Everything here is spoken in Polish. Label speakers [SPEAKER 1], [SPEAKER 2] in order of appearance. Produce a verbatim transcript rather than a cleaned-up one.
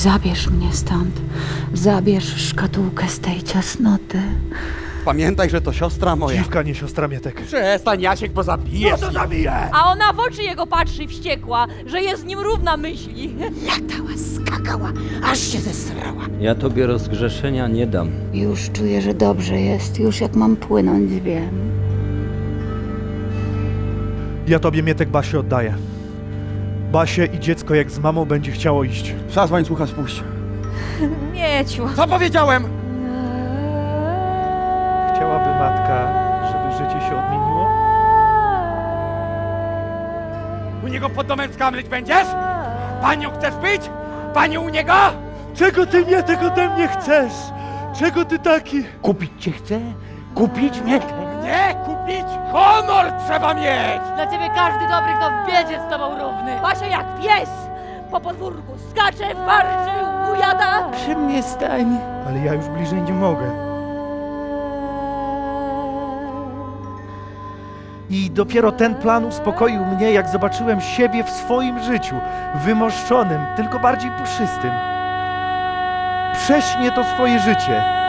[SPEAKER 1] Zabierz mnie stąd. Zabierz szkatułkę z tej ciasnoty.
[SPEAKER 2] Pamiętaj, że to siostra moja.
[SPEAKER 3] Dziwka, nie siostra Mietek.
[SPEAKER 2] Przestań, Jasiek, bo zabijesz.
[SPEAKER 3] No to zabiję!
[SPEAKER 4] A ona w oczy jego patrzy wściekła, że jest z nim równa myśli.
[SPEAKER 1] Latała, skakała, aż się zesrała.
[SPEAKER 5] Ja tobie rozgrzeszenia nie dam.
[SPEAKER 1] Już czuję, że dobrze jest. Już jak mam płynąć, wiem.
[SPEAKER 3] Ja tobie, Mietek, Basię oddaję. Basie i dziecko jak z mamą będzie chciało iść.
[SPEAKER 2] Trzeba z łańcucha spuść.
[SPEAKER 4] Mieciu.
[SPEAKER 2] Co powiedziałem?
[SPEAKER 3] Chciałaby matka, żeby życie się odmieniło?
[SPEAKER 2] U niego pod domem skamleć będziesz? Panią chcesz być? Panią u niego?
[SPEAKER 3] Czego ty, Mietek, ode mnie chcesz? Czego ty taki?
[SPEAKER 6] Kupić cię chce? Kupić mnie?
[SPEAKER 2] Nie, kupić! Honor trzeba mieć!
[SPEAKER 4] Dla ciebie każdy dobry, kto w biedzie z tobą równy. Basia jak pies po podwórku skacze, warczy, ujada.
[SPEAKER 6] Przy mnie stań.
[SPEAKER 3] Ale ja już bliżej nie mogę. I dopiero ten plan uspokoił mnie, jak zobaczyłem siebie w swoim życiu, wymoszczonym, tylko bardziej puszystym. Prześnie to swoje życie.